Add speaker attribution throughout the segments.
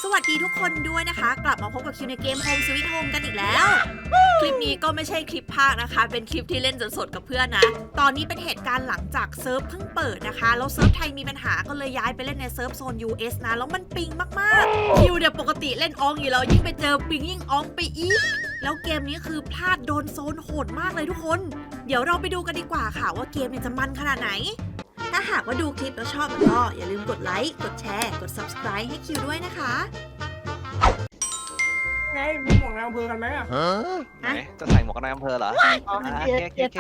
Speaker 1: สวัสดีทุกคนด้วยนะคะกลับมาพบกับคิวในเกม Home Sweet Home กันอีกแล้ว คลิปนี้ก็ไม่ใช่คลิปภาคนะคะเป็นคลิปที่เล่นสดๆกับเพื่อนนะตอนนี้เป็นเหตุการณ์หลังจากเซิร์ฟเพิ่งเปิดนะคะแล้วเซิร์ฟไทยมีปัญหาก็เลยย้ายไปเล่นในเซิร์ฟโซน US นะแล้วมันปิงมากๆคิวเนี่ยปกติเล่นอองอยู่แล้วยิ่งไปเจอปิงยิ่งอองไปอีกแล้วเกมนี้คือพลาดโดนโซนโหดมากเลยทุกคนเดี๋ยวเราไปดูกันดีกว่าค่ะว่าเกมเนี่ยจะมันขนาดไหนถ้าหากว่าดูคลิปแล้วชอบก็อย่าลืมกดไลค์กดแชร์กด Subscribe ให้คิวด้วยนะคะ
Speaker 2: ไงมีหมวกนายอำเภอกันไหมอ่ะ
Speaker 3: ไหนจะใส่หมวกกันน็อกอำเภอเหรอ
Speaker 2: อ๋อ
Speaker 3: แค่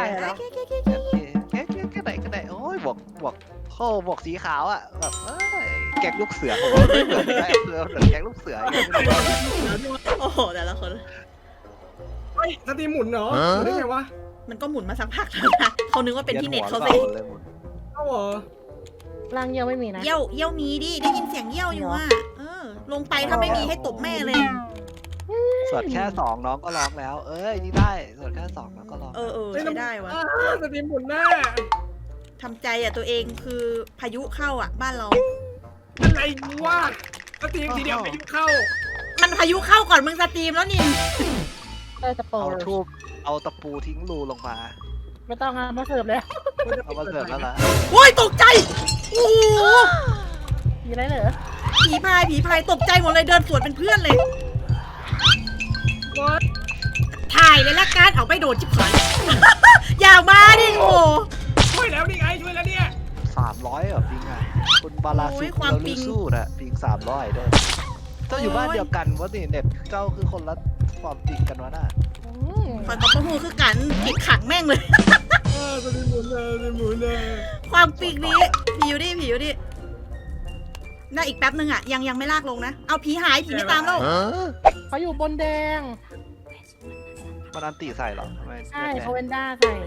Speaker 3: ไหนก็ได้โอ้ยบวกโค้บวกสีขาวอ่ะแบบแก๊งลูกเสือผมไม่เหมือนนายอำเภอเหมือนแก๊งลูกเสือ
Speaker 1: โอ้โหแต่ละคน
Speaker 2: เฮ้ยสตรีมหมุนเหรอหมุนได้ไงวะ
Speaker 1: มันก็หมุนมาสักพักแล้วนะเขานึกว่าเป็นที่เน็ตเขาสิ
Speaker 2: เอ้าเหรอ
Speaker 4: ร่างเยี่ยวไม่มีนะ
Speaker 1: เยี่ยวมีดิได้ยินเสียงเยี่ยวอยู่อ่ะลงไปถ้าไม่มีให้ตบแม่เลย
Speaker 3: สวดแค่2น้องก็ร้องแล้ว เอ้ยนี่ได้สวดแค่2น้องก็ร้อง
Speaker 1: ใช้ได้วะ
Speaker 2: สตรีมหมุนหน้า
Speaker 1: ทำใจอ่ะตัวเองคือพายุเข้าอ่ะบ้านเรา
Speaker 2: อะไรวะสตรีมทีเดียวไปยุ่งเข้า
Speaker 1: มันพายุเข้าก่อนมึงสตรีมแล้วนี่
Speaker 4: จะโปร
Speaker 3: เอาทูบเอาตะปูทิ้งรูลงมา
Speaker 4: ไม่ต้องมาเสิร์ฟเลย
Speaker 3: เอามาเสิร์ฟแล้วล่ะ
Speaker 1: โอ้ยตกใจโอ้โห
Speaker 4: มีอะไรเหรอ
Speaker 1: ผีพายตกใจหมดเลยเดินสวนเป็นเพื่อนเลย ถ่ายเลยละกันเอาไปโดนชิบหาย อย่ามาดิโอ้
Speaker 2: ช่วยแล้วนี่ไงช่วยแล้วเนี่ย
Speaker 3: 300เหรอปิงอ่ะคุณบาลาซุเราลูสู้นะปิง300เด้อเจ้าอยู่บ้านเดียวกันวะนี่เน็ตเจ้าคือคนละความปิงกันวะน่ะ
Speaker 1: คอยกับพวกมูคือกันปิดขังแม่งเลย
Speaker 2: สตรีมหมุนเลยสตรีมหมุนเลย
Speaker 1: ความปีกนี้ผีอยู่ดิน่าอีกแป๊บนึงอ่ะยังไม่ลากลงนะเอาผีหายผีไม่ตามแล้ว
Speaker 4: เขาอยู่บนแดง
Speaker 3: มันอันตีใส่เหรอทำไม
Speaker 4: ใช่เขาเวนด้าใส่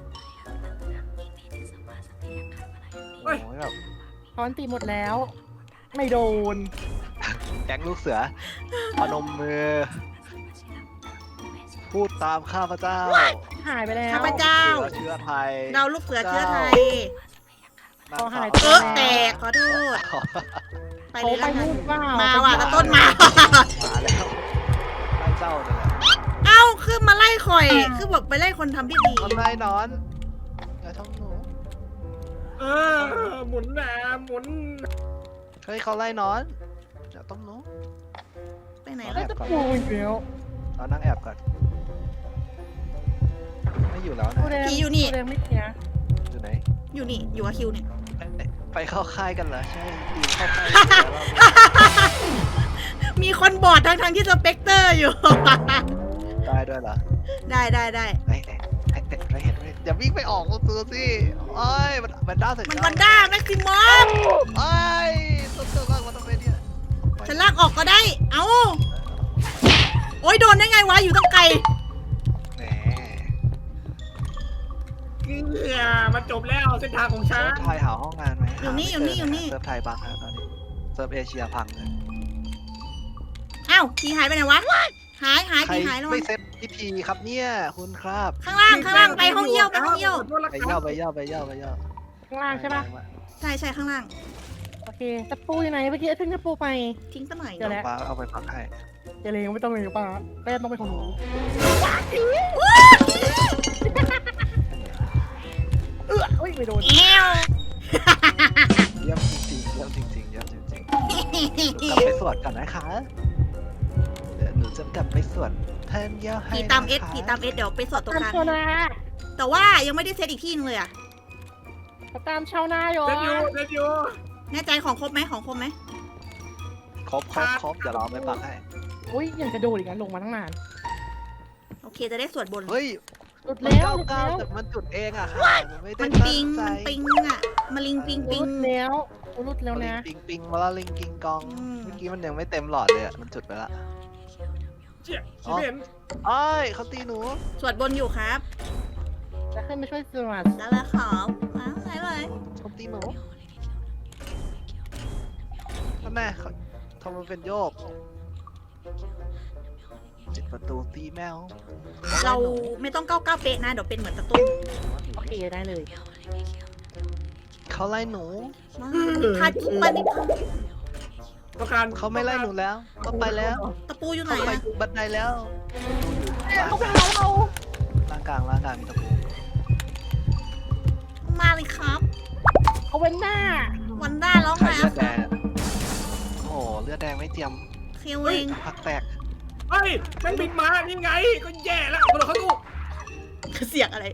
Speaker 3: โอ้ยแบบ
Speaker 4: เขาอันตีหมดแล้ว ไม่โดน
Speaker 3: แก๊งลูกเสือพนมมือ พูดตามข้าพเจ้า
Speaker 4: หายไปแล้ว
Speaker 1: ข้าพเจ้า
Speaker 3: เชื้อไทย
Speaker 1: เราลูกเสือเชื้อไทย
Speaker 4: เขาหาย
Speaker 1: แตกขอโทษไป
Speaker 4: เขา
Speaker 1: เลย
Speaker 4: ไป
Speaker 1: ละกัน
Speaker 4: นู่นเปล่า
Speaker 1: มาว่ะตะต้นมา
Speaker 3: มาแล้วไล่เจ้าเนี่ยแหละ
Speaker 1: เอ้าคือมาไล่ข่อยคือบอกไปไล่คนทำพิธี
Speaker 3: ทำไรนอนอย่าทำหนู
Speaker 2: หมุนนะหมุน
Speaker 3: เฮ้ยเขาไล่นอนอย่าต้มหนู
Speaker 1: ไปไหน
Speaker 4: แล้
Speaker 1: ล่ะ
Speaker 4: วจะปูอีกแล้ว
Speaker 3: เรานั่งแอบก่อนไม่อยู่แล้วนะ
Speaker 4: ปูแดงไม่เสีย
Speaker 3: อยู่ไหน
Speaker 1: อยู่นี่อยู่กับคิวเนี่ย
Speaker 3: ไปเข้าค่ายกันเหรอใช่ดีเข้าค่าย
Speaker 1: มีคนบอดทั้งที่สเปกเตอร์อยู่
Speaker 3: ได้ด้วยเหรอ
Speaker 1: ได้
Speaker 3: ไม่เห็นอย่าวิ่งไปออกตัวสิโอ้ยมันด้าเสร็จ
Speaker 1: มันวันด้าแม็กซิมอม
Speaker 3: โอ้ยตัวมากมันต้องเป็นเนี่ย
Speaker 1: ฉันลากออกก็ได้เอ้าโอ้ยโดนได้ไงวะอยู่ตั้งไกล
Speaker 3: แหม
Speaker 2: มันจบแล้วเส้นทางของฉั
Speaker 3: เซิ
Speaker 2: น
Speaker 3: ร์ฟไทยหาห้องงานไหม
Speaker 1: อยู่นี่
Speaker 3: เซิร์ฟไทยบังแล้วตอนนี้เซิร์ฟเอเชียพังเลย
Speaker 1: อ้าวผีหายไปไหนวะหาย
Speaker 3: ใคร
Speaker 1: ผีหายแล้ว
Speaker 3: ไม่เซ็ตพิธีครับเนี่ยคุณครับ
Speaker 1: ข้างล่างไปห้องเยี่ยว
Speaker 3: ไปเย่า
Speaker 4: ข้างล่างใช่ปะ
Speaker 1: ใช่ข้างล่าง
Speaker 4: โอเคจะปูอยู่ไหนเมื่อกี้เพิ่งจะปูไป
Speaker 1: ทิ้งซะหน่อย
Speaker 4: เดี๋ยวแล้ว
Speaker 3: เอาไปพักให้
Speaker 4: เดี๋ยวเลยไม่ต้องเลยป่ะแป้งต้องเป็นของหนู เฮ้ยไม่โดน
Speaker 1: เอว
Speaker 3: เยี่ยมจริงๆเยี่ยมจริงๆเยี่ยมจริงๆกลับไปสวดกันนะคะเดี๋ยวหนูจะกลับไปสวดแทนเยี่ยให้
Speaker 1: ผีตามเอสเดี๋ยวไปสอดตัวกลาง
Speaker 4: ตามชาวนา
Speaker 1: แต่ว่ายังไม่ได้เซตอีกที่นึงเลยอะ
Speaker 4: ตามชาวนาอยู่
Speaker 2: เดินอยู่
Speaker 1: แน่ใจของครบไหม
Speaker 3: ครบเดี๋ยวเราไปปักให้
Speaker 4: อุ้ยยังจะโดนอีกนะลงมาตั้งนาน
Speaker 1: โอเคจะได้สวดบน
Speaker 3: เฮ้ย
Speaker 4: หลุด
Speaker 3: มัน
Speaker 4: แล้วหลุด
Speaker 3: ก้าว
Speaker 4: แล้ว
Speaker 3: แต่มันจุดเองอะค่ะไม่ได้
Speaker 1: มัน
Speaker 3: ตั้
Speaker 1: ปิง
Speaker 3: งใจ
Speaker 1: อะมาลิงปิง
Speaker 4: หลุดแล้วหลุดแล้วนะ
Speaker 3: ปิงมาแล้วลิงกิงกองเมื่อกี้มันยังไม่เต็มหลอดเลยอะมันจุดไปละ
Speaker 2: เจี๊ยบเห็น
Speaker 3: อ้ายเขาตีหนู
Speaker 1: สวดบนอยู่ครับ
Speaker 4: จะขึ้นมาช่วยสวัสด
Speaker 1: แล้วละขอมาไหนเลย
Speaker 3: เขาตีหนูทำไมเขาทำมันเป็นโยกปิดประตูตีแมว
Speaker 1: เราไม่ต้องก้าวเป๊ะนะเดี๋ยวเป็นเหมือนตะตุ้ม
Speaker 4: โอเคได้เลย
Speaker 3: เขาไล่หนู
Speaker 1: พาจุ๊บไปนิด
Speaker 2: ต้องการ
Speaker 3: เขาไม่ไล่หนูแล้วก็ไปแล้ว
Speaker 1: ตะปูอยู่ไหน
Speaker 3: เขาไป
Speaker 1: อะ
Speaker 3: อยู่บันไดแล้ว
Speaker 4: เขาไปหาเรา
Speaker 3: ล่างกลางมีตะปู
Speaker 1: มาเลยครับ
Speaker 4: เขาเว้นหน้า
Speaker 1: วันด้าร้อง
Speaker 3: ใคร
Speaker 1: ไง
Speaker 3: เลือดแดงโอ้โหเลือดแดงไม่เตรียม
Speaker 1: คิวเอง
Speaker 3: พักแตก
Speaker 2: เฮ้ยแม่งบินมานี่ไงก็แย่แล้วกระโดดเข้าตู้
Speaker 1: เสียงอะไร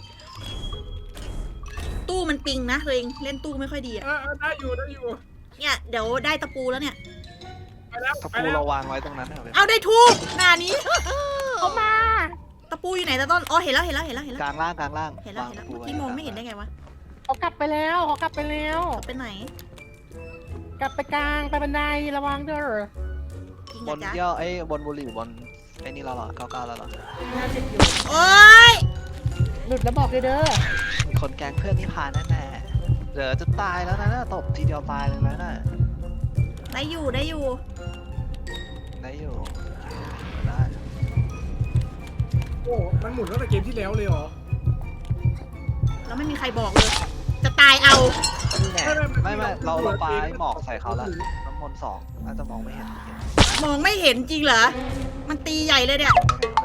Speaker 1: ตู้มันปิงนะตัวเองเล่นตู้ไม่ค่อยดีอะ
Speaker 2: ได้อยู่
Speaker 1: เนี่ยเดี๋ยวได้ตะปูแล้วเนี่ย
Speaker 2: ไปแล้ว
Speaker 3: ตะ
Speaker 2: ไป
Speaker 3: ปู
Speaker 2: แล้ว
Speaker 3: เราวางไว้ตรงนั้นเอาไป
Speaker 1: เอาได้ทูบหน้านี้
Speaker 4: เขามา
Speaker 1: ตะปูอยู่ไหนตะต้นอ๋อเห็นแล้ว
Speaker 3: กลางล่าง
Speaker 1: เห็นแล้ว
Speaker 3: วาง
Speaker 1: เมื่อ
Speaker 3: ตะปู
Speaker 1: กี้มองไม่เห็นได้ไงวะ
Speaker 4: เขากลับไปแล้วเขากลับไปแล้ว
Speaker 1: ไปไหน
Speaker 4: กลับไปกลางไปบันไดระวังเด้อ
Speaker 1: จริง
Speaker 3: บ
Speaker 1: อะ
Speaker 3: น
Speaker 1: จ๊ะ
Speaker 3: เยี่ยวไอ้บนบุหรี่บนไอ้นี่เราเหรอ99แล้วเหรอ
Speaker 4: น่าเจ็บอยู่
Speaker 1: โอ๊ย
Speaker 4: หลุดแล้วบอกเลยเด้อ
Speaker 3: มีคนแกล้งเพื่อนนี่พาแน่ๆเดี๋ยวจะตายแล้วนะตบทีเดียวตายเลยนะน่ะ
Speaker 1: ได้อยู่
Speaker 3: ได้อยู่ได้
Speaker 2: โอ้มันหมุนตั้งแต่เกมที่แล้วเลยเหรอ
Speaker 1: แล้วไม่มีใครบอกเลย จะตายเอา
Speaker 3: นี่ไงไม่เราปาไอ้หมอกใส่เขาละน้ำมนต์2น่าจะมองไม่เห็น
Speaker 1: มองไม่เห็นจริงเหรอ มันตีใหญ่เลยเนี่ย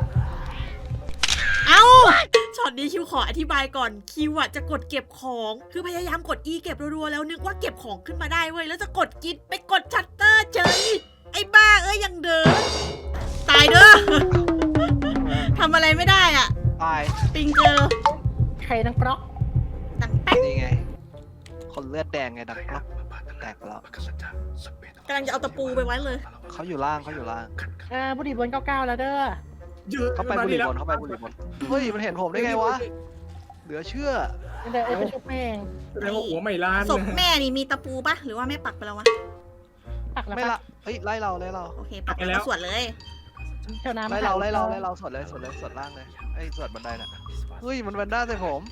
Speaker 1: เอ้า ช็อตนี้คิวขออธิบายก่อน คิวอะจะกดเก็บของ คือพยายามกด E เก็บรัวๆแล้วนึกว่าเก็บของขึ้นมาได้เว้ย แล้วจะกดกิดไปกดชัตเตอร์เฉยไอ้บ้าเอ้ยยังเดิน ตายเด้อ ทำอะไรไม่ได้อ่ะ
Speaker 3: ตาย
Speaker 1: ปิงเจอ
Speaker 4: ใครนังกรอก
Speaker 1: ดังแป๊ก
Speaker 3: นี่ไง คนเลือดแดงไงดักกรอบแตกแล้ว
Speaker 1: กำลังจะเอาตะปูไปไว้เลย
Speaker 3: เขาอยู่ล่าง
Speaker 4: บุหรี่บน99แล้วเด้อ
Speaker 2: เยอะ
Speaker 3: เขาไปบุหรี่บนเฮ้ยมันเห็นผมได้ไงวะเหลือเชื่อ
Speaker 4: เดี๋ยวไปชุบแม่ง
Speaker 2: แสดงว่าหัวไม่ล้าน
Speaker 1: ศพแม่นี่มีตะปูปะหรือว่าแม่ปักไปแล้ววะ
Speaker 4: ปักแล้ว
Speaker 3: ไม่
Speaker 4: ปะ
Speaker 3: ละเฮ้ยไล่เรา
Speaker 1: โอเค ปักไปแล้วสวดเลย
Speaker 4: เท่าน้ำ
Speaker 3: ไล่เราสวดเลยสวดล่างเลยไอ้สวดบันไดน่ะเฮ้ยมันแวนด้าใส่ผม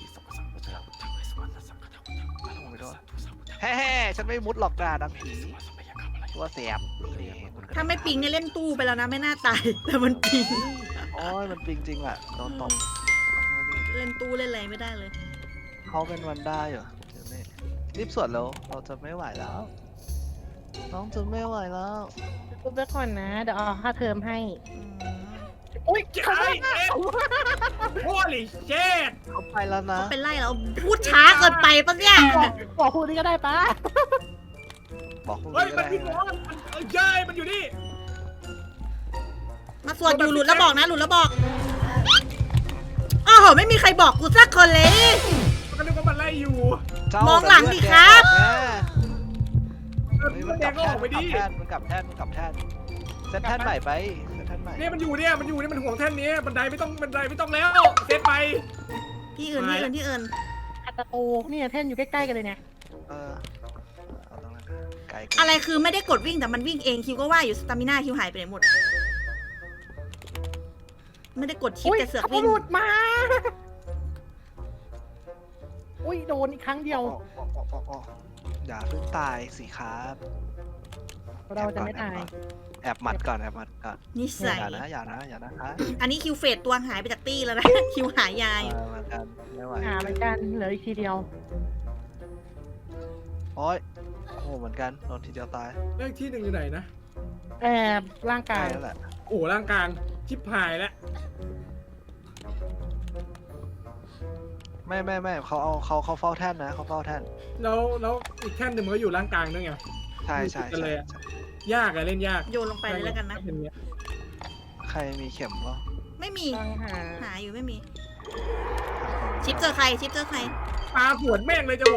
Speaker 3: แฮ่ฉันไม่มุดหลอกด่าดำผีตัวเสียบ
Speaker 1: ถ้าไม่ปิงเนี่ยเล่นตู้ไปแล้วนะไม่น่าตาย แต่มันปิง
Speaker 3: โอ้ยมันจริงๆอ่ะโดนตบ
Speaker 1: เล่นตู้เล่นอะไรไม่ได้เลย
Speaker 3: เขาเป็นวันด้าอยู่เดี๋ยวนี้รีบสวดแล้วเราจะไม่ไหวแล้ว น้องจะไม่ไหวแล้ว
Speaker 4: ชุบไว้ก่อนนะ เดี๋ยวเอาค่าเทอมให้
Speaker 1: อืม
Speaker 4: อุ้ย
Speaker 2: ใช่โอ้ยเจ็ด
Speaker 3: เขาไปแล้วนะ
Speaker 1: เป็นไรแล้วพูดช้าเกินไปปะเนี่ย
Speaker 4: บอกพูดนี่ก็ได้ปะ
Speaker 3: บอกคุณ
Speaker 2: เฮ้ย
Speaker 3: ก็
Speaker 2: มัน
Speaker 3: ได้
Speaker 2: บินร้อนเย้ยมันอยู่นี่
Speaker 1: มาสวดอยู่หลุดแล้วบอกนะหลุดแล้วบอกโอ้โหไม่มีใครบอกกูสักคนเลย
Speaker 2: มันก็นึกว่ามันไล่อยู่
Speaker 3: เจ้าม
Speaker 1: องหลังดิครับ
Speaker 3: เฮ้ยมัน
Speaker 2: แด
Speaker 3: กลั
Speaker 2: ง
Speaker 3: บ
Speaker 2: ก็
Speaker 3: แท่
Speaker 2: อน อกไปดิ
Speaker 3: มันกลับแท่นเซตแท่นใหม่ไปเซตแท่นใหม่
Speaker 2: เนี่ยมันอยู่เนี่ยมันห่วงแท่นนี้บันไดไม่ต้องแล้วเซตไป
Speaker 1: ที่อื่น
Speaker 4: อัตโตเนี่ยแท่นอยู่ใกล้ๆกันเลยเนี่ย
Speaker 3: เออเอาตรงนั้นไกล
Speaker 1: อะไรคือไม่ได้กดวิ่งแต่มันวิ่งเองคิวก็ว่าอยู่สตามิน่าคิวหายไปไหนหมด ไม่ได้กดชิปแต่เสือก
Speaker 4: เขา
Speaker 1: วิ่ง
Speaker 4: หลุดมา อุ้ยโดนอีกครั้งเดียว
Speaker 3: อย่าเพิ่งตายสิครับ
Speaker 4: เราจะไม่ตาย
Speaker 3: แอบหมัดก่อน
Speaker 1: นิสัย
Speaker 3: อย่านะคะ
Speaker 1: อันนี้คิวเฟดตัวหายไปจากตี้แล้วนะ คิวหายายอยู่
Speaker 3: เหมือนกันไม่ไหว
Speaker 4: หาเหมือนกันเหลืออีกทีเดียว
Speaker 3: โอ้ยโอ้เหมือนกันโดนทีเดียวตาย
Speaker 2: เลขที่หนึ่งอยู่ไหนนะ
Speaker 4: แอบร่าง
Speaker 3: ใกล้
Speaker 4: กาย
Speaker 3: แล้วแหละ
Speaker 2: โอ้ร่างกลางชิบหายแล้ว
Speaker 3: ไม่เขาเฝ้าแท่นนะเขาเฝ้าแท่น
Speaker 2: แล้วอีกแท่นหนึ่งมันก็อยู่ร่างกลางด้วยไง
Speaker 3: ใช่
Speaker 2: กันเลยอะ ยากอะเล่นยาก
Speaker 1: โยนลงไปเลยแล้วกันนะ
Speaker 3: ใครมีเข็มวะ
Speaker 1: ไม่มี
Speaker 4: ต้องหา
Speaker 1: หาอยู่ไม่มี ชิปเจอใคร
Speaker 2: ปลาสวนแม่งเลยจ้ะผม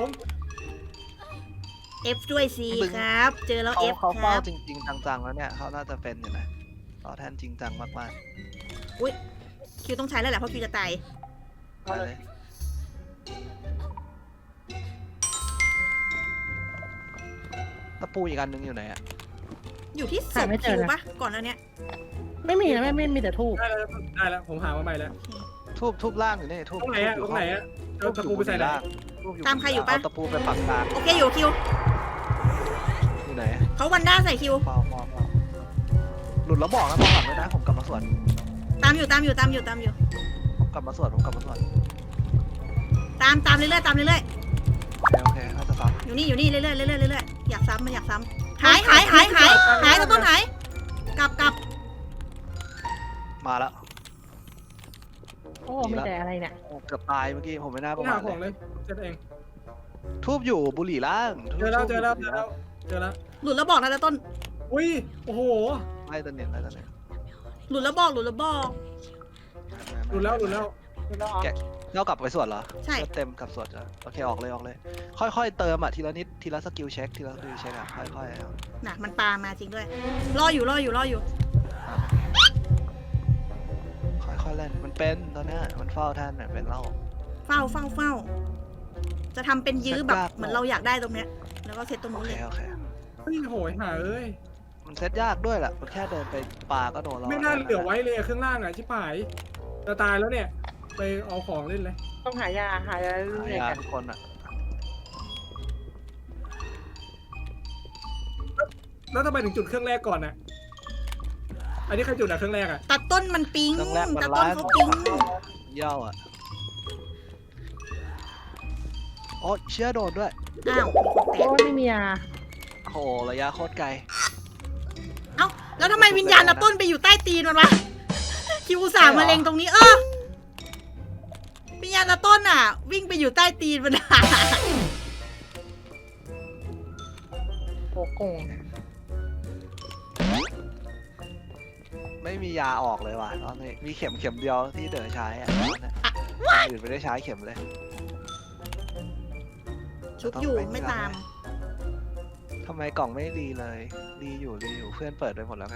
Speaker 1: F ด้วยสิครับ เจอแล้ว F
Speaker 3: เขา
Speaker 1: ค
Speaker 3: เฝ้า
Speaker 1: รับ
Speaker 3: จริงๆจังๆแล้วเนี่ยเขาน่าจะเป็นอยู่นะเฝ้าแท่นจริงจังมาก
Speaker 1: คิวต้องใช้แล้วแหละเพราะคิวจะตาย
Speaker 3: ๆไปเลยตะปูอีกอันนึงอยู่ไหนอะ
Speaker 1: อยู่ที่ศพคิวปะก่อนแล้วเนี้ย
Speaker 4: ไม่มีนะไม่มีแต่ทูบ
Speaker 2: ได้แล้วผมหามาใหม่แล้ว
Speaker 3: ทูบล่างอยู่นี่ทูบ
Speaker 2: ตรงไหนอะเอาตะปูไปใส่ไหน
Speaker 1: ตามใครอยู่ปะ
Speaker 3: เาตะปูไปปักกลาง
Speaker 1: โอเคอยู่คิว
Speaker 3: อยู่ไหน
Speaker 1: เขาวันด้าใส่คิว
Speaker 3: เฝ้าหลุดแล้วบอกนะมองหลังด้วยนะผมกลับมาสวด
Speaker 1: ตามอยู่
Speaker 3: ผมกลับมาสวด
Speaker 1: ตามเรื่อยๆ
Speaker 3: โอเคน่าจะซ้
Speaker 1: อยู่นี่เรื่อยๆอยากซ้ำหายตะต้นหายกลับ
Speaker 3: มาแล้ว
Speaker 4: โอ้ไม่แต่อะไรเนี่ย
Speaker 3: โอ้เกือบตายเมื่อกี้ผมไม่น่าประ
Speaker 2: ไม่
Speaker 3: มา
Speaker 2: หา
Speaker 3: ท
Speaker 2: ของ
Speaker 3: เลย
Speaker 2: เลยเจ็ดเอง
Speaker 3: ทูบอยู่บุหรี่ล่าง
Speaker 2: เจอแล้ว
Speaker 3: ทูบ
Speaker 2: เจอแล้ว
Speaker 3: บุห
Speaker 2: เจ
Speaker 3: รี่
Speaker 2: อแล้วเจอแล้ว
Speaker 1: หลุดแล้วบอกนะตะต้น
Speaker 2: อุ้ยโอ้โห
Speaker 3: ไล่ตะเนียนไล่ตะเนียน
Speaker 1: หลุดแล้วบอก
Speaker 2: หลุดแล้ว
Speaker 4: ดูแล้วอ๋อ
Speaker 3: เรากลับไปสวดเหรอ
Speaker 1: ใช่
Speaker 3: เลือดเต็มกลับสวดเหรอโอเคออกเลยค่อยๆเติมอ่ะทีละนิดทีละสกิลเช็คอ่ะค่อยๆเอา
Speaker 1: น่ะมันปลามาจริงด้วย รออยู่
Speaker 3: ค่อยๆเล่นมันเป็นตอนเนี้ยมันเฝ้าท่านเนี่ยเป็นเล่า
Speaker 1: เฝ้า จะทำเป็นยื้อแบบ
Speaker 3: เซตยาก
Speaker 1: เหมือนเราอยากได้ตรงเนี้ย แล้วก็เซตตรง
Speaker 3: โอ
Speaker 1: นู้น
Speaker 3: เค
Speaker 1: เลย
Speaker 3: โอเค
Speaker 2: เฮ้ยโหยหาเอ้ย
Speaker 3: มันเซตยากด้วยแหละมันแค่เดินไปป่าก็โดนเรา
Speaker 2: ไม่น่าเหลือไว้เลยเครื่องล่างอ่ะชิบหายจะตายแล้วเนี่ยไปเอาของเล่นเลย
Speaker 4: ต้องหายา
Speaker 3: หา
Speaker 4: เรื่อย
Speaker 3: ยา
Speaker 4: ๆกัน
Speaker 3: ทุกคนอ่ะ
Speaker 2: แล้วทำไมถึงจุดเครื่องแรกก่อนอ่ะอันนี้ใครจุดอ่ะเครื่องแรกอ่ะ
Speaker 1: ตัดต้นมันปิ๊ง
Speaker 3: เครื่องแรกมัน
Speaker 1: ตัดต้น
Speaker 3: ร้าย
Speaker 1: เขาปิ๊ง
Speaker 3: เย่าอ่ะโอ้เชื่อโดนด้วย
Speaker 1: อ้าวมีคนแต
Speaker 4: โอ้
Speaker 1: ก
Speaker 4: ไม่มียา
Speaker 3: โหระยะโคตรไกล
Speaker 1: เอ้า แล้วทำไมวิญญาณตัดต้นไปอยู่ใต้ตีนมันวะ คิวอุตสาห์มาเล็งตรงนี้ วิญญาณตัดต้นอ่ะ วิ่งไปอยู่ใต้ตีนมันอะ
Speaker 4: โอ้โกง
Speaker 3: ไม่มียาออกเลยว่ะตอนนี้มีเข็มเดียวที่เด๋อใช้อ่ะตอนเนี้ยคนอื่นไม่ได้ใช้เข็มเลย
Speaker 1: ชุบอยู่ไม่ตาม
Speaker 3: ทำไมกล่องไม่รีเลยรีอยู่เพื่อนเปิดไปหมดแล้วไง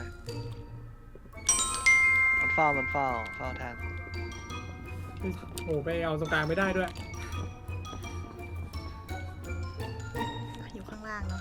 Speaker 3: มันเฝ้าแทน
Speaker 2: โอ้ไปเอาตรงกลางไม่ได้ด้วย
Speaker 1: อยู่ข้างล่างเนาะ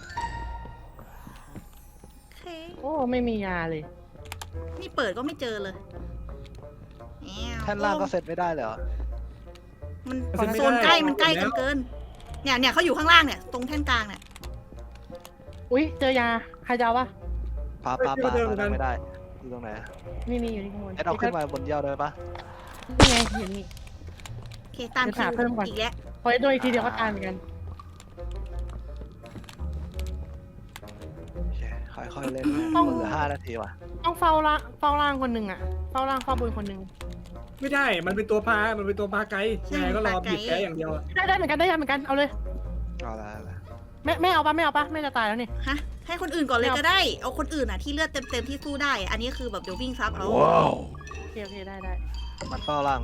Speaker 1: โอเค
Speaker 4: โอ้ไม่มียาเลย
Speaker 1: นี่เปิดก็ไม่เจอเลยแอว
Speaker 3: แท่นล่างก็เซตไม่ได้เลยเหรอ
Speaker 1: มัน
Speaker 2: เซ็นไม่ได้
Speaker 1: โซนใกล้
Speaker 2: เอา
Speaker 1: มันใกล้
Speaker 2: หมดแล้ว
Speaker 1: กันเกิน เนี่ยเขาอยู่ข้างล่างเนี่ย ตรงแท่นกลางเนี่ย
Speaker 4: อุ้ยเจอยาใครจะเอาวะ
Speaker 3: ปาไม่ได้อยู่ตรงไหน
Speaker 4: นี่อยู่ที่ข้างบน
Speaker 3: เอาขึ้นมาบนเยี่ยวได้ปะ
Speaker 4: นี่ไงอยู่นี่
Speaker 1: โอเค ตาม
Speaker 4: เดี๋ยว
Speaker 1: คิ
Speaker 4: หาว เพิ่มก่อน
Speaker 1: อีกแล้ว
Speaker 4: พอได้โดนอีกทีเดียวก็ตายเหมือนกัน
Speaker 3: โอเคค่อยๆเล่นมันเหลือ5 นาทีว่ะ
Speaker 4: ต้องเฝ้าล่างคนหนึ่งอะเฝ้าล่างเฝ้าบนคนหนึ่ง
Speaker 2: ไม่ได้มันเป็นตัวพาไกด์ยังไงก็รอบีบแกอย่างเดียวอะ
Speaker 4: ได้เหมือนกันเอาเลย
Speaker 3: เอาละ
Speaker 4: แม่เอาปะแม่จะตายแล้วนี่
Speaker 1: ฮะ ให้คนอื่นก่อนเลย
Speaker 4: ไม่เอา
Speaker 1: ก็ได้ เอาคนอื่นอ่ะที่เลือดเต็มที่สู้ได้ อันนี้คือแบบเดี๋ยววิ่งซับเอา
Speaker 4: โอเคได้
Speaker 3: มันเฝ้าล่าง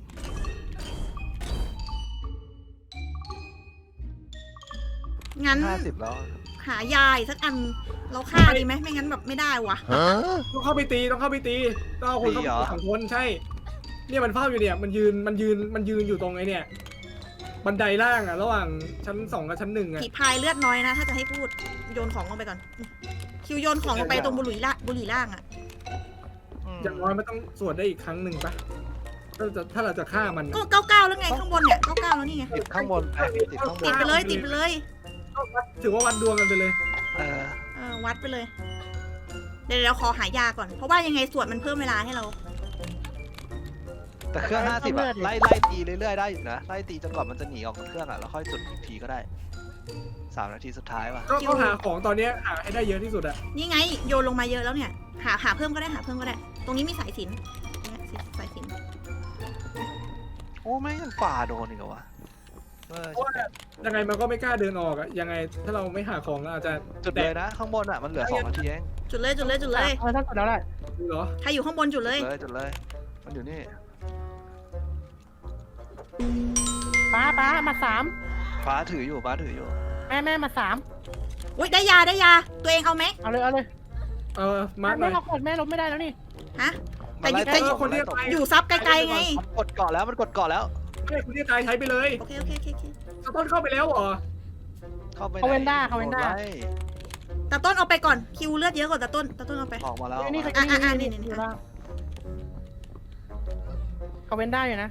Speaker 1: งั้น
Speaker 3: 50แล้ว
Speaker 1: หายายสักอันเราฆ่าดีไหมไม่งั้นแบบไม่ได้วะ
Speaker 2: ต้องเข้าไปตีต้องเอาคนเข้าไปสองคนใช่ เนี่ยมันเฝ้าอยู่เนี่ยมันยืนอยู่ตรงไอ้เนี่ยบันไดล่างอ่ะระหว่างชั้น2กับชั้น1อ่ะ
Speaker 1: ผีพายเลือดน้อยนะ ถ้าจะให้พูด โยนของลงไปก่อน คิวโยนของลงไปตรงบุหรี่ล่างอ่ะ
Speaker 2: อย่างน้อยมันต้องสวดได้อีกครั้งหนึ่งปะถ้าเราจะฆ่ามัน
Speaker 1: ก็99แล้วไงข้างบนเนี่ย99แล้วนี่ไง
Speaker 3: ติดข้างบนติดข้างบ
Speaker 1: ติด
Speaker 3: น
Speaker 1: ไปเลยติดไปเลย
Speaker 2: ถือว่าวัดดวงกันไปเลย
Speaker 1: วัดไปเลย เดี๋ยวขอหายาก่อน เพราะว่ายังไงสวดมันเพิ่มเวลาให้เรา
Speaker 3: แต่เครื่อง50อะไล่ตีเรื่อยๆได้อยู่นะไล่ตีจนกว่ามันจะหนีออกจากเครื่องอะแล้วค่อยจุดอีกทีก็ได้3 นาทีสุดท้ายว่ะ
Speaker 2: ก็หาของตอนเนี้ยหาให้ได้เยอะที่สุดอะ
Speaker 1: นี่ไงโยนลงมาเยอะแล้วเนี่ย หาเพิ่มก็ได้ตรงนี้มีสายสิญจนเนี่ยสายสิญจน
Speaker 3: โอ้ไม่ยังฝ่าโดนอีกเหรอวะ
Speaker 2: เพราะว่ายังไงมันก็ไม่กล้าเดินออกอะยังไงถ้าเราไม่หาของเราอาจจะ
Speaker 3: จุดเลยนะข้างบนอะมันเหลือ2 นาทีเอง
Speaker 1: จุดเลย
Speaker 4: ถ้ากดแล้วแหละ
Speaker 2: ดูเหรอ
Speaker 1: ใครอยู่ข้างบนจุดเลย
Speaker 3: จุดเลยมันอยู่นี่
Speaker 4: ป้ามา3
Speaker 3: ฟ้าถืออยู่
Speaker 4: แม่มา3
Speaker 1: อุ้ยได้ยา ตัวเองเอาไหม
Speaker 4: เอาเลย
Speaker 2: มาร์คหน่
Speaker 4: แม่
Speaker 2: อย
Speaker 4: เอากดแม่ลบไม่ได้แล้วนี่
Speaker 1: ฮะ
Speaker 3: มันไล่
Speaker 1: แต่
Speaker 3: ต
Speaker 1: อยู่
Speaker 3: บมันไล่ตบ
Speaker 1: อยู่ซับไกลๆไง
Speaker 3: มันกดเกาะแล้ว
Speaker 2: ไม่คุณที่ตายใช้ไปเลย
Speaker 1: โอเค
Speaker 2: ต้นเข้าไปแล้วเหรอ
Speaker 3: เข้าไปไหน
Speaker 4: เขาเว้นได้
Speaker 1: ตาต้นเอาไปก่อน คิวเลือดเยอะกว่าตาต้นเอาไป
Speaker 3: ออกมาแล้ว
Speaker 4: นี่
Speaker 1: นี่
Speaker 4: เขาเว้นได้อยู่นะ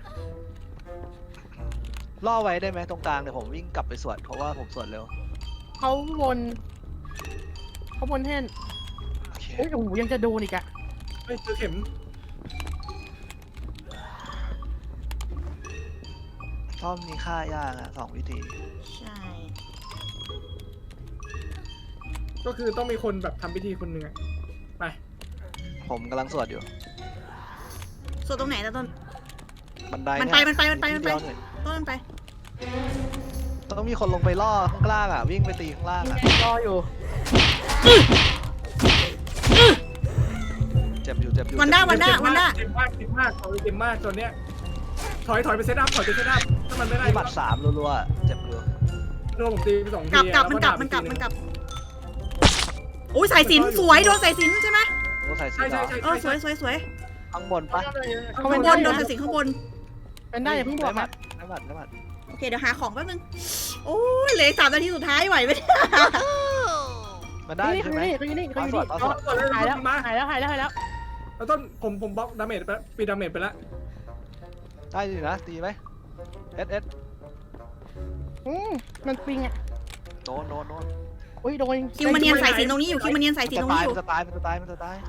Speaker 3: ล่อไว้ได้ไหมตรงกลางเดี๋ยวผมวิ่งกลับไปสวดเพราะว่าผมสวดเร็ว
Speaker 4: เขาวนแท่น
Speaker 3: โอเค
Speaker 4: โอ้ยโอ้โหยังจะโดนอีกอะ
Speaker 2: ไม่เจอเข็ม
Speaker 3: ซ่อมมีค่ายากอะ2 วิธี
Speaker 1: ใช่
Speaker 2: ไปก็คือต้องมีคนแบบทำพิธีคนหนึ่งอะไป
Speaker 3: ผมกำลังสวดอยู่
Speaker 1: ส่วนตรงไหนตะต้น
Speaker 3: บันได
Speaker 1: มันไป
Speaker 3: เย
Speaker 1: มันไปมันไปมันไป
Speaker 3: นิดเดียวหอย
Speaker 1: ต้นมันไป
Speaker 3: ต้องมีคนลงไปล่อข้างล่างอ่ะ วิ่งไปตีข้างล่างอ่ะ
Speaker 4: รออยู่
Speaker 3: เจ็บอยู่เจ็บอยู่
Speaker 1: วันด้า
Speaker 3: เจ็บอยู่
Speaker 1: วันด้า
Speaker 2: เจ็บมากเจ็บมากเขาเจ็บมากตอนเนี้ยถอยไปเซตอัพถอยไปเซตอัพถ้ามันไม่ได้
Speaker 3: มีหมัดสามรัวๆเจ็บอยู่
Speaker 2: โดนผมตีไป2 ที
Speaker 1: กลับ
Speaker 2: แล้ว
Speaker 1: มันกลับ
Speaker 2: ดา
Speaker 1: มันกลับ
Speaker 2: อีที
Speaker 1: มันกลับโอ้ยสายสิญจนสวยโดนสายสิญจนใช่ไหม
Speaker 3: โอ้ใส่สี
Speaker 2: ใช่
Speaker 3: เหร
Speaker 2: ใช่
Speaker 3: อ
Speaker 2: ใช่
Speaker 1: เออสวยสวยสวย
Speaker 3: ข้างบนปะ
Speaker 1: ข้างบนโดนสายสิญจนข้างบน
Speaker 4: เป็นได้อย่าเพิ่งบอก
Speaker 3: ได้หมั
Speaker 4: นะ
Speaker 3: ดได้หมัดได้หมัด
Speaker 1: โอเคเดี๋ยวหาของแป๊บนึงโอ้ยเหลือ3 นาทีสุดท้ายไหวไหมเนี่ย
Speaker 3: มันได้
Speaker 4: นี่
Speaker 3: ใช่
Speaker 4: คือ
Speaker 3: ไหม
Speaker 4: นี่คือนี่คือนี่
Speaker 3: เอาสวด
Speaker 2: ก่อนเลย
Speaker 4: หายแล้ว
Speaker 2: มา
Speaker 4: หายแล้วหายแล้วหายแล้ว
Speaker 2: แล้วต้นผมบล็อกดาเมจไปแล้วปีดาเมจไปแล้ว
Speaker 3: ได้อยู่นะตีไหมเอส
Speaker 4: มันปิงอ่ะ
Speaker 3: โดน
Speaker 4: อุ้ยโดน
Speaker 1: คิวมาเนียนสายสิญจนตรงนี้อยู่คิวมาเนียนสายสิญจนตรงนี้อยู่
Speaker 3: มันจะตายมันจะตาย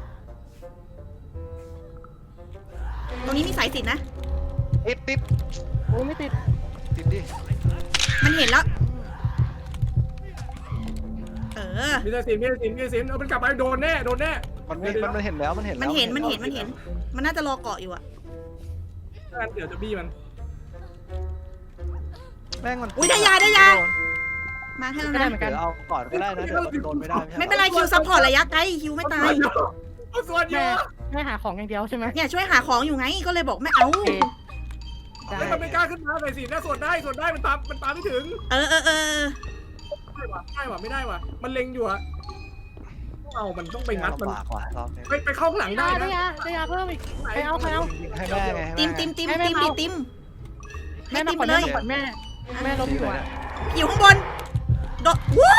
Speaker 1: ตรงนี้มีสายสิญจนนะ
Speaker 3: ติด
Speaker 4: โอ้ยไม่ติด
Speaker 3: ดิ
Speaker 1: มันเห็นแล้วเออ
Speaker 2: มีแต่สินเอามันกลับไปโดนแน่
Speaker 3: มันเห็นแล้วมันเห็นแล้ว
Speaker 1: มันเห็นมันน่าจะรอเกาะอยู่อะ
Speaker 2: งั้นเดี๋ยวจะบี้มัน
Speaker 3: แม่งมัน
Speaker 1: อุ๊ยได้ยามาให้แล้ว
Speaker 4: ก็ได้
Speaker 1: นะ
Speaker 4: เหมือนกัน
Speaker 3: เดี๋ยวเอาก่อนก็ได้นะเดี๋ยวมันโดนไม่ได้
Speaker 1: ไม่เป็นไรคิวซัพพอร์ตระยะไกลคิวไม่ตาย
Speaker 2: เอาส่วนเย
Speaker 4: แม่
Speaker 2: อะ
Speaker 4: แม่หาของอย่างเดียวใช่ไหม
Speaker 1: เนี่ยช่วยหาของอยู่ไงก็เลยบอกไม่เอา
Speaker 4: โอเคได้
Speaker 2: แล้วมันไม่กล้าขึ้นมาเลยสิน่าส่วนได้มันตามไม่ถึง
Speaker 1: เออ
Speaker 2: ได้ว่ะไม่ได้ว่ะมันเล็งอยู่อะเอามันต้องไปงัดมัน
Speaker 3: ลำบากว่ะรอบนี้
Speaker 2: ไปเข้าข้างหลังได้
Speaker 4: ได้
Speaker 2: นะ
Speaker 4: ยาเพิ่มอีกไปเอา
Speaker 3: ให้แม่ไง
Speaker 1: ติมให้
Speaker 4: แม่
Speaker 1: ติม
Speaker 4: มา
Speaker 1: ไป
Speaker 4: ก่อน
Speaker 1: เลย
Speaker 4: แม่ก่อนแม่ล้มอยู่อ่ะ
Speaker 1: อยู่ข้างบนโดดวู้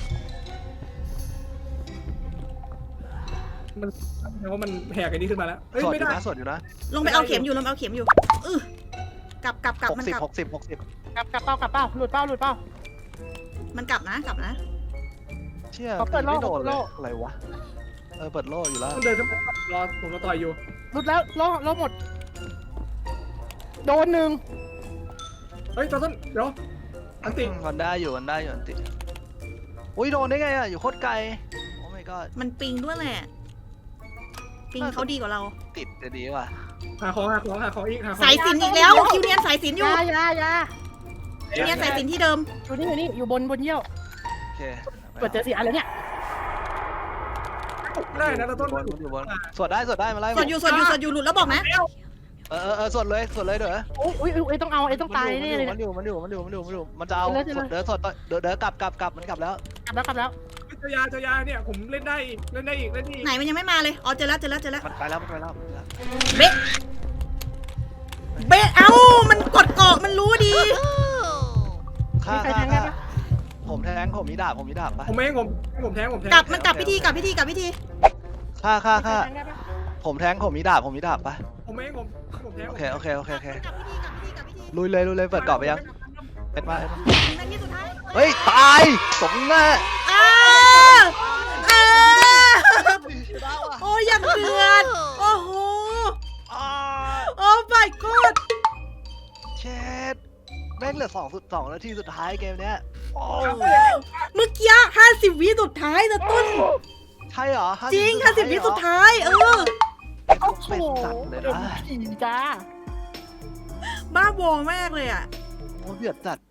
Speaker 2: มันเพราะมันแหกไอ้นี้ขึ้นมาแล้วเฮ้ย
Speaker 3: สวด
Speaker 2: ไม่
Speaker 3: อยู่
Speaker 2: ได้
Speaker 3: นะสวดอยู่นะ
Speaker 1: ลงไปเอาเข็มอยู่กลับมันกลับ
Speaker 3: 60
Speaker 4: กลับเป้าหลุดเป้า
Speaker 1: มันกลับนะ
Speaker 3: เชี่ย
Speaker 4: เขาเปิดโล่
Speaker 3: ไม่โดน
Speaker 4: เปิด
Speaker 3: เล
Speaker 4: โล่
Speaker 3: ยอะไรวะเปิดโล่อยู่แล้ว
Speaker 2: ต้องเดินขึ้นไปรอผมต่อยอยู่
Speaker 4: หลุดแล้วล้อหมดโดนหนึ่ง
Speaker 2: เฮ้ยต้นเดี๋ยวอันติ
Speaker 3: มันได้อยู่อันติอุ้ยโดนได้ไงอ่ะอยู่โคตรไกลโอ้ my god
Speaker 1: มันปิงด้วยแหละปิงเขาดีกว่าเรา
Speaker 3: ติดจะดีกว่า
Speaker 2: หาของอีก
Speaker 1: สายสิญจนอีกแล้วคิวเนียนสายสิญจนอยู่
Speaker 4: ยา
Speaker 1: คิวเนียนสายสิญจนที่เดิม
Speaker 4: อยู่นี่อยู่บนเยี่ยว
Speaker 3: โอเค
Speaker 4: เปิดเจอ4 อันแล้วเนี่ย
Speaker 2: ได้นะต้น
Speaker 3: อยู่บนสวดได้มาไล่
Speaker 1: สดอยู่หลุดแล้วบอกนะ
Speaker 3: สวดเลยเด้อ
Speaker 4: อุ้ยต้องเอาต้องตายแน่เลย
Speaker 3: มันอยู่มันจะเอาเด้อกลับมันกลับแล้ว
Speaker 4: กลับแล้ว
Speaker 2: เจ้ายาเนี่ยผมเล่นได้อีก
Speaker 1: ไหนมันยังไม่มาเลยอ๋อเจอแล้ว
Speaker 3: มันไปแล้ว
Speaker 1: เบะเอ้ามันกดเกาะมันรู้ดี
Speaker 3: ฆ่าผมแทงผมมีดาบปะ
Speaker 2: ผมแทง
Speaker 1: กลับมันกลับพิธี
Speaker 3: ฆ่าผมแทงผมมีดาบปะ
Speaker 2: ผมแทง
Speaker 3: โอเค
Speaker 1: กลับพิธี
Speaker 3: ลุยเลยเปิดกรอบไปยังเอ็ดมา
Speaker 1: นาทีสุดท้าย
Speaker 3: เฮ้ยตายสมหน้า
Speaker 1: โอ้ยยังเดือดโอ้โหโอ้ my god
Speaker 3: เช็ดแม่งเหลือ2 นาทีสุดท้ายเกมเนี้ยโอ้
Speaker 1: เมื่อกี้50 วิสุดท้ายนะต้น
Speaker 3: ใช่เหรอ
Speaker 1: จริง50 วิสุดท้าย
Speaker 4: โอ้โห
Speaker 3: เป็นสัตว์เลยนะ
Speaker 4: จ้า
Speaker 1: บ้าบอมากเลยอ่ะ
Speaker 3: โอ้เดือดจัด